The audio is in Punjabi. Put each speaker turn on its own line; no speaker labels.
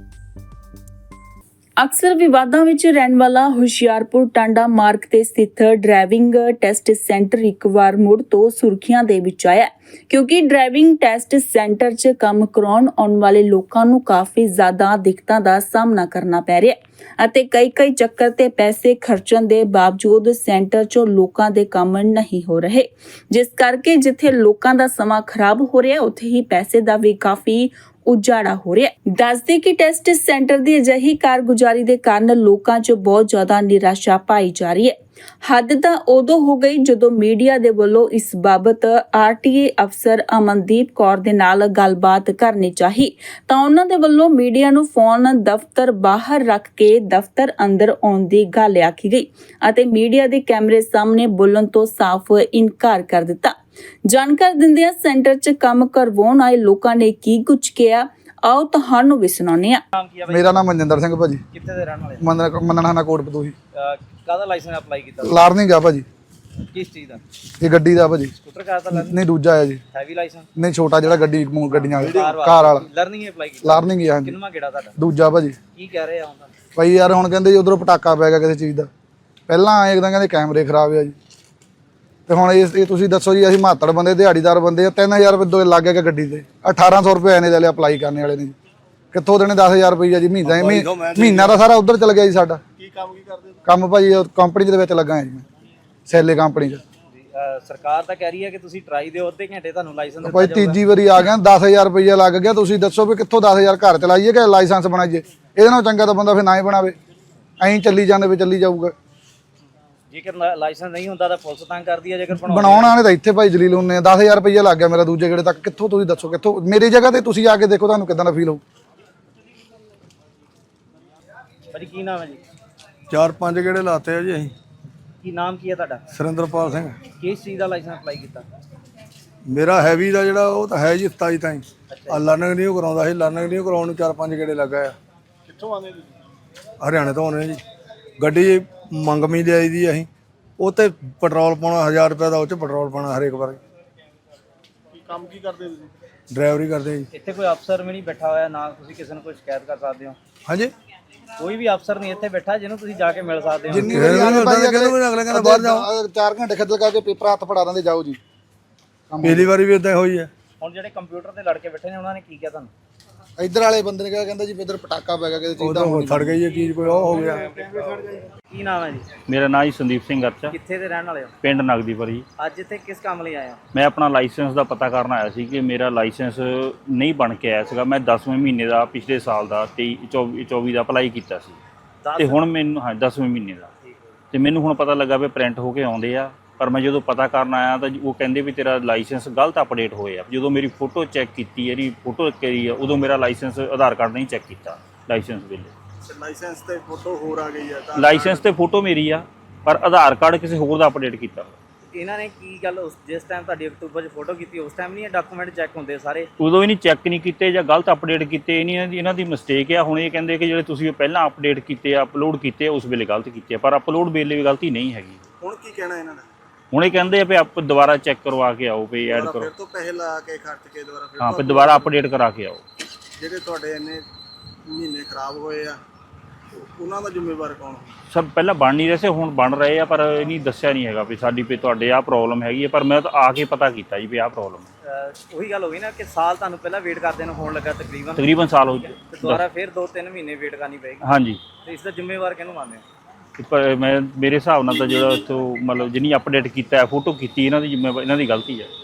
ਅਕਸਰ ਵਿਵਾਦਾਂ ਵਿੱਚ ਰਹਿਣ ਵਾਲਾ ਹੁਸ਼ਿਆਰਪੁਰ ਟਾਂਡਾ ਮਾਰਗ ਤੇ ਸਥਿਤ ਡਰਾਈਵਿੰਗ ਟੈਸਟ ਸੈਂਟਰ ਇੱਕ ਵਾਰ ਮੁੜ ਤੋਂ ਸੁਰਖੀਆਂ ਦੇ ਵਿੱਚ ਆਇਆ ਕਿਉਂਕਿ ਡਰਾਈਵਿੰਗ ਟੈਸਟ ਸੈਂਟਰ 'ਚ ਕੰਮ ਕਰਾਉਣ ਆਉਣ ਵਾਲੇ ਲੋਕਾਂ ਨੂੰ ਕਾਫੀ ਜ਼ਿਆਦਾ ਦਿੱਕਤਾਂ ਦਾ ਸਾਹਮਣਾ ਕਰਨਾ ਪੈ ਰਿਹਾ ਹੈ ਅਤੇ ਕਈ ਚੱਕਰ ਤੇ ਪੈਸੇ ਖਰਚਣ ਦੇ ਬਾਵਜੂਦ ਸੈਂਟਰ 'ਚੋਂ ਲੋਕਾਂ ਦੇ ਕੰਮ ਨਹੀਂ ਹੋ ਰਹੇ, ਜਿਸ ਕਰਕੇ ਜਿੱਥੇ ਲੋਕਾਂ ਦਾ ਸਮਾਂ ਖਰਾਬ ਹੋ ਰਿਹਾ ਉੱਥੇ ਹੀ ਪੈਸੇ ਦਾ ਵੀ ਕਾਫੀ ਉਜਾੜਾ ਹੋ ਰਿਹਾ ਹੈ। ਦੱਸਦੇ ਕਿ ਟੈਸਟ ਸੈਂਟਰ ਦੀ ਅਜਿਹੀ ਕਾਰਗੁਜ਼ਾਰੀ ਦੇ ਕਾਰਨ ਲੋਕਾਂ 'ਚ ਬਹੁਤ ਜ਼ਿਆਦਾ ਨਿਰਾਸ਼ਾ ਪਾਈ ਜਾ ਰਹੀ ਹੈ। ਹੱਦ ਤਾਂ ਉਦੋਂ ਹੋ ਗਈ ਜਦੋਂ ਮੀਡੀਆ ਦੇ ਵੱਲੋਂ ਇਸ ਬਾਬਤ ਆਰਟੀਏ ਅਫਸਰ ਅਮਨਦੀਪ ਕੌਰ ਦੇ ਨਾਲ ਗੱਲਬਾਤ ਕਰਨੀ ਚਾਹੀ ਤਾਂ ਉਹਨਾਂ ਦੇ ਵੱਲੋਂ ਮੀਡੀਆ ਨੂੰ ਫੋਨ ਦਫ਼ਤਰ ਬਾਹਰ ਰੱਖ ਕੇ ਦਫ਼ਤਰ ਅੰਦਰ ਆਉਣ ਦੀ ਗੱਲ ਆਖੀ ਗਈ ਅਤੇ ਮੀਡੀਆ ਦੇ ਕੈਮਰੇ ਸਾਹਮਣੇ ਬੋਲਣ ਤੋਂ ਸਾਫ਼ ਇਨਕਾਰ ਕਰ ਦਿੱਤਾ। ਜਾਣਕਾਰੀ ਦਿੰਦਿਆਂ ਸੈਂਟਰ 'ਚ ਕੰਮ ਕਰਵਾਉਣ ਆਏ ਲੋਕਾਂ ਨੇ ਕੀ ਕੁਝ ਕਿਹਾ, ਆਓ ਤੁਹਾਨੂੰ ਵੀ ਸੁਣਾਉਂਦੇ ਹਾਂ।
ਮੇਰਾ ਨਾਮ ਮਨਜਿੰਦਰ ਸਿੰਘ ਭਾਜੀ।
ਕਿੱਥੇ ਦੇ ਰਹਿਣ ਵਾਲੇ?
ਮੰਨਣਾ ਕੋਟ ਪਤੂਹੀ।
ਕਾਹਦਾ ਲਾਇਸੈਂਸ ਅਪਲਾਈ ਕੀਤਾ?
ਲਾਰਨਿੰਗ ਆ ਭਾਜੀ।
ਕਿਸ ਚੀਜ਼ ਦਾ?
ਇਹ ਗੱਡੀ ਦਾ ਭਾਜੀ।
ਸਕੂਟਰ ਕਾਰ ਦਾ ਲਰਨਿੰਗ?
ਨਹੀਂ, ਦੂਜਾ ਹੈ ਜੀ।
Heavy license?
ਨਹੀਂ, ਛੋਟਾ ਜਿਹੜਾ ਗੱਡੀਆਂ ਵਾਲਾ ਕਾਰ ਵਾਲਾ
ਲਰਨਿੰਗ ਅਪਲਾਈ ਕੀਤਾ?
ਲਾਰਨਿੰਗ ਹੀ ਆ। ਹਾਂਜੀ,
ਕਿੰਨਵਾਂ ਗੇੜਾ ਤੁਹਾਡਾ?
ਦੂਜਾ ਭਾਜੀ।
ਕੀ ਕਹਿ ਰਹੇ ਆ ਹੁਣ?
ਭਾਈ ਯਾਰ ਹੁਣ ਕਹਿੰਦੇ ਜੀ ਉਧਰੋਂ ਪਟਾਕਾ ਪੈ ਗਿਆ ਕਿਸੇ ਚੀਜ਼ ਦਾ, ਪਹਿਲਾਂ ਆਏ ਇੱਕਦਮ ਕਹਿੰਦੇ ਕੈਮਰੇ ਖਰਾਬ ਆ ਜੀ, ਤੇ ਹੁਣ ਇਹ ਤੁਸੀਂ ਦੱਸੋ ਜੀ, ਅਸੀਂ ਮਾਤੜ ਬੰਦੇ ਦਿਹਾੜੀਦਾਰ ਬੰਦੇ ਆ, 3000 ਰੁਪਏ ਲੱਗ ਗਿਆ ਗੱਡੀ ਤੇ, 1800 ਰੁਪਏ ਇਹਨੇ ਲੈ ਲਿਆ ਅਪਲਾਈ ਕਰਨ ਵਾਲੇ ਨੇ ਜੀ। ਕਿੱਥੋਂ ਦੇਣੇ 10,000 ਰੁਪਏ ਜੀ ਮਹੀਨਾ ਦਾ ਸਾਰਾ ਉਧਰ ਚਲ ਗਿਆ ਜੀ ਸਾਡਾ।
ਕੀ ਕੰਮ ਕੀ ਕਰਦੇ?
ਕੰਮ ਭਾਜੀ ਕੰਪਨੀ ਦੇ ਵਿੱਚ ਲੱਗਾ ਜੀ ਮੈਂ, ਸੈਲੇ ਕੰਪਨੀ 'ਚ।
ਸਰਕਾਰ ਤਾਂ ਕਹਿ ਰਹੀ ਹੈ ਕਿ ਤੁਸੀਂ ਟਰਾਈ ਦਿਓ, ਅੱਧੇ ਘੰਟੇ ਤੁਹਾਨੂੰ ਲਾਇਸੈਂਸ ਦਿੱਤਾ
ਭਾਈ ਤੀਜੀ ਵਾਰੀ ਆ ਗਿਆ, 10,000 ਰੁਪਏ ਲੱਗ ਗਿਆ। ਤੁਸੀਂ ਦੱਸੋ ਵੀ ਕਿੱਥੋਂ 10,000 ਘਰ ਚਲਾਈਏ ਕਿ ਲਾਇਸੈਂਸ ਬਣਾਈਏ? ਇਹਦੇ ਨਾਲੋਂ ਚੰਗਾ ਤਾਂ ਬੰਦਾ ਫਿਰ ਨਾ ਹੀ ਬਣਾਵੇ, ਐਂ ਚੱਲੀ ਜਾਂਦੇ ਵੀ ਚੱਲੀ ਜਾਊਗਾ।
ਜੇਕਰ ਲਾਇਸੈਂਸ ਨਹੀਂ ਹੁੰਦਾ ਤਾਂ ਪੁਲਿਸ ਤੰਗ ਕਰਦੀ ਹੈ, ਜੇਕਰ
ਬਣਾਉਣ ਵਾਲੇ ਤਾਂ ਇੱਥੇ ਭਾਈ ਜਲੀਲ ਹੁੰਦੇ ਆ। 10,000 ਰੁਪਏ ਲੱਗ ਗਿਆ ਮੇਰਾ ਦੂਜੇ ਗੇੜੇ ਤੱਕ। ਕਿੱਥੋਂ ਤੁਸੀਂ ਦੱਸੋ, ਕਿੱਥੋਂ? ਮੇਰੀ ਜਗ੍ਹਾ ਤੇ ਤੁਸੀਂ ਆ ਕੇ ਦੇਖੋ, ਤੁਹਾਨੂੰ ਕਿੱਦਾਂ ਦਾ ਫੀਲ ਹੋਊ।
ਭਾਜੀ ਕੀ ਨਾਮ ਹੈ ਜੀ?
4-5 ਗੇੜੇ ਲਾਤੇ ਆ ਜੀ ਅਸੀਂ।
ਕੀ ਨਾਮ ਕੀ ਹੈ ਤੁਹਾਡਾ?
ਸੁਰਿੰਦਰਪਾਲ ਸਿੰਘ।
ਕਿਸ ਚੀਜ਼ ਦਾ ਲਾਇਸੈਂਸ ਅਪਲਾਈ ਕੀਤਾ?
ਮੇਰਾ ਹੈਵੀ ਦਾ ਜਿਹੜਾ ਉਹ ਤਾਂ ਹੈ ਜੀ 27 ਤਾਈਂ। ਆ ਲਰਨਿੰਗ ਨਹੀਂ ਕਰਾਉਂਦਾ ਸੀ, ਲਰਨਿੰਗ ਨਹੀਂ ਕਰਾਉਣ ਨੂੰ 4-5 ਗੇੜੇ ਲੱਗਾ ਆ।
ਕਿੱਥੋਂ ਆਉਂਦੇ ਤੁਸੀਂ?
ਹਰਿਆਣੇ ਤੋਂ ਆਉਂਦੇ ਜੀ। ਗੱਡੀ ਮੰਗਮੀ ਲਿਆਈ ਦੀ ਅਸੀਂ, ਉਹ ਤੇ ਪੈਟਰੋਲ ਪਾਉਣਾ 1000 ਰੁਪਏ ਦਾ, ਉਹ 'ਚ ਪੈਟਰੋਲ ਪਾਉਣਾ ਹਰੇਕ ਵਾਰ।
ਕੀ ਕੰਮ ਕੀ ਕਰਦੇ ਤੁਸੀਂ?
ਡਰਾਈਵਰੀ ਕਰਦੇ ਜੀ।
ਇੱਥੇ ਕੋਈ ਅਫਸਰ ਵੀ ਨਹੀਂ ਬੈਠਾ ਹੋਇਆ ਨਾ ਤੁਸੀਂ ਕਿਸੇ ਨੂੰ ਕੋਈ ਸ਼ਿਕਾਇਤ ਕਰ ਸਕਦੇ ਹੋ?
ਹਾਂਜੀ,
ਕੋਈ ਵੀ ਅਫਸਰ ਨਹੀਂ ਇੱਥੇ ਬੈਠਾ ਜਿਹਨੂੰ ਤੁਸੀਂ ਜਾ ਕੇ ਮਿਲ ਸਕਦੇ ਹੋ?
ਜਿੰਨੀ ਵਾਰੀ ਅਗਲੇ ਕਹਿੰਦਾ ਬਾਹਰ ਜਾਓ, 4 ਘੰਟੇ ਖੱਜਲ ਕਰਕੇ ਪੇਪਰ ਹੱਥ ਫੜਾ ਦਿੰਦੇ, ਜਾਓ ਜੀ।
ਪਹਿਲੀ ਵਾਰੀ ਵੀ ਇਦਾਂ ਹੋਈ ਹੈ।
ਹੁਣ ਜਿਹੜੇ ਕੰਪਿਊਟਰ ਤੇ ਲੜਕੇ ਬੈਠੇ ਨੇ ਉਹਨਾਂ ਨੇ ਕੀ ਕਿਹਾ ਤੁਹਾਨੂੰ?
ਇੱਧਰ ਵਾਲੇ ਬੰਦੇ ਨੇ ਕਿਹਾ, ਕਹਿੰਦਾ ਜੀ ਇੱਧਰ ਪਟਾਕਾ ਪੈ ਗਿਆ ਕਿਸੇ ਚੀਜ਼ ਦਾ।
ਉਹ ਸੜ ਗਈ ਇਹ ਚੀਜ਼, ਕੋਈ ਉਹ ਹੋ ਗਿਆ।
ਕੀ ਨਾਮ ਹੈ ਜੀ?
ਮੇਰਾ ਨਾਮ ਜੀ ਸੰਦੀਪ ਸਿੰਘ ਅਰਚਾ,
ਕਿੱਥੇ ਦੇ ਰਹਿਣ ਵਾਲੇ ਹੋ?
ਪਿੰਡ ਨਗਦੀਪੁਰੀ।
ਅੱਜ ਇੱਥੇ ਕਿਸ ਕੰਮ ਲਈ ਆਏ ਹੋ?
ਮੈਂ ਆਪਣਾ ਲਾਇਸੈਂਸ ਦਾ ਪਤਾ ਕਰਨ ਆਇਆ ਸੀ ਕਿ ਮੇਰਾ ਲਾਇਸੈਂਸ ਨਹੀਂ ਬਣ ਕੇ ਆਇਆ ਸੀਗਾ। ਮੈਂ 10ਵੇਂ ਮਹੀਨੇ ਦਾ ਪਿਛਲੇ ਸਾਲ ਦਾ 23-24 ਦਾ ਅਪਲਾਈ ਕੀਤਾ ਸੀ ਤੇ ਹੁਣ ਮੈਨੂੰ 10ਵੇਂ ਮਹੀਨੇ ਦਾ, ਤੇ ਮੈਨੂੰ ਹੁਣ ਪਤਾ ਲੱਗਾ ਵੀ ਪ੍ਰਿੰਟ ਹੋ ਕੇ ਆਉਂਦੇ ਆ। ਪਰ ਮੈਂ ਜਦੋਂ ਪਤਾ ਕਰਨ ਆਇਆ ਤਾਂ ਉਹ ਕਹਿੰਦੇ ਵੀ ਤੇਰਾ ਲਾਇਸੈਂਸ ਗਲਤ ਅਪਡੇਟ ਹੋਏ ਆ। ਜਦੋਂ ਮੇਰੀ ਫੋਟੋ ਚੈੱਕ ਕੀਤੀ, ਇਹਦੀ ਫੋਟੋ ਕਰੀ ਆ, ਉਦੋਂ ਮੇਰਾ ਲਾਇਸੈਂਸ ਆਧਾਰ ਕਾਰਡ ਨਹੀਂ ਚੈੱਕ ਕੀਤਾ ਲਾਇਸੈਂਸ ਵੇਲੇ।
ਲਾਇਸੈਂਸ ਤੇ ਫੋਟੋ ਹੋਰ ਆ ਗਈ ਹੈ ਤਾਂ
ਲਾਇਸੈਂਸ ਤੇ ਫੋਟੋ ਮੇਰੀ ਆ, ਪਰ ਆਧਾਰ ਕਾਰਡ ਕਿਸੇ ਹੋਰ ਦਾ ਅਪਡੇਟ ਕੀਤਾ।
ਇਹਨਾਂ ਨੇ ਕੀ ਗੱਲ, ਜਿਸ ਟਾਈਮ ਤੁਹਾਡੀ ਅਕਤੂਬਰ 'ਚ ਫੋਟੋ ਕੀਤੀ ਉਸ ਟਾਈਮ ਨਹੀਂ ਇਹ ਡਾਕੂਮੈਂਟ ਚੈੱਕ ਹੁੰਦੇ ਸਾਰੇ?
ਉਦੋਂ ਹੀ ਨਹੀਂ ਚੈੱਕ ਨਹੀਂ ਕੀਤੇ ਜਾਂ ਗਲਤ ਅਪਡੇਟ ਕੀਤੇ। ਇਹਨਾਂ ਦੀ ਮਿਸਟੇਕ ਆ। ਹੁਣ ਇਹ ਕਹਿੰਦੇ ਕਿ ਜਿਹੜੇ ਤੁਸੀਂ ਪਹਿਲਾਂ ਅਪਡੇਟ ਕੀਤੇ ਆ, ਅਪਲੋਡ ਕੀਤੇ ਉਸ ਵੇਲੇ ਗਲਤ ਕੀਤੇ ਆ, ਪਰ ਅਪਲੋਡ ਵੇਲੇ ਵੀ ਗਲਤੀ ਨਹੀਂ ਹੈਗੀ।
ਹੁਣ ਕੀ ਕਹਿਣਾ ਇਹਨਾਂ ਦਾ?
ਹੁਣ ਇਹ ਕਹਿੰਦੇ ਆ ਵੀ ਆਪ ਦੁਬਾਰਾ ਚੈੱਕ ਕਰਵਾ ਕੇ ਆਓ, ਵੀ ਐਡ ਕਰੋ।
ਫਿਰ ਤੋਂ ਪੈਸੇ ਲਾ ਕੇ ਖਰਚ ਕੇ ਦੁਬਾਰਾ ਫਿਰ
ਹਾਂ, ਫਿਰ ਦੁਬਾਰਾ ਅਪਡੇਟ ਕਰਾ ਕੇ ਆਓ।
ਜਿਹੜੇ ਤੁਹਾਡੇ ਇੰਨੇ ਮਹੀਨੇ ਖਰਾਬ ਹੋਏ ਆ, ਉਹਨਾਂ ਦਾ ਜ਼ਿੰਮੇਵਾਰ ਕੌਣ?
ਸਭ ਪਹਿਲਾਂ ਬਣ ਨਹੀਂ ਰਹੇ ਸੀ, ਹੁਣ ਬਣ ਰਹੇ ਆ, ਪਰ ਇਹ ਨਹੀਂ ਦੱਸਿਆ ਨਹੀਂ ਹੈਗਾ ਵੀ ਸਾਡੀ ਵੀ ਤੁਹਾਡੇ ਆਹ ਪ੍ਰੋਬਲਮ ਹੈਗੀ ਹੈ। ਪਰ ਮੈਂ ਤਾਂ ਆ ਕੇ ਪਤਾ ਕੀਤਾ ਜੀ ਵੀ ਆਹ ਪ੍ਰੋਬਲਮ ਹੈ।
ਉਹੀ ਗੱਲ ਹੋ ਗਈ ਨਾ ਕਿ ਸਾਲ ਤੁਹਾਨੂੰ ਪਹਿਲਾਂ ਵੇਟ ਕਰਦੇ ਨੂੰ ਹੋਣ ਲੱਗਾ
ਤਕਰੀਬਨ ਸਾਲ ਹੋ ਗਿਆ,
ਤੇ ਦੁਬਾਰਾ ਫਿਰ 2-3 ਮਹੀਨੇ ਵੇਟ ਕਰਨੀ ਪਏਗੀ।
ਹਾਂਜੀ,
ਤੇ ਇਸ ਦਾ ਜ਼ਿੰਮੇਵਾਰ ਕਿਹਨੂੰ ਮੰਨਦੇ ਹੋ?
ਪਰ ਮੇਰੇ ਹਿਸਾਬ ਨਾਲ ਤਾਂ ਜਿਹੜਾ ਇੱਥੋਂ ਮਤਲਬ ਜਿੰਨੀ ਅਪਡੇਟ ਕੀਤਾ, ਫੋਟੋ ਕੀਤੀ, ਇਹਨਾਂ ਦੀ ਜ਼ਿੰਮੇਵਾਰੀ, ਇਹਨਾਂ ਦੀ ਗਲਤੀ ਹੈ।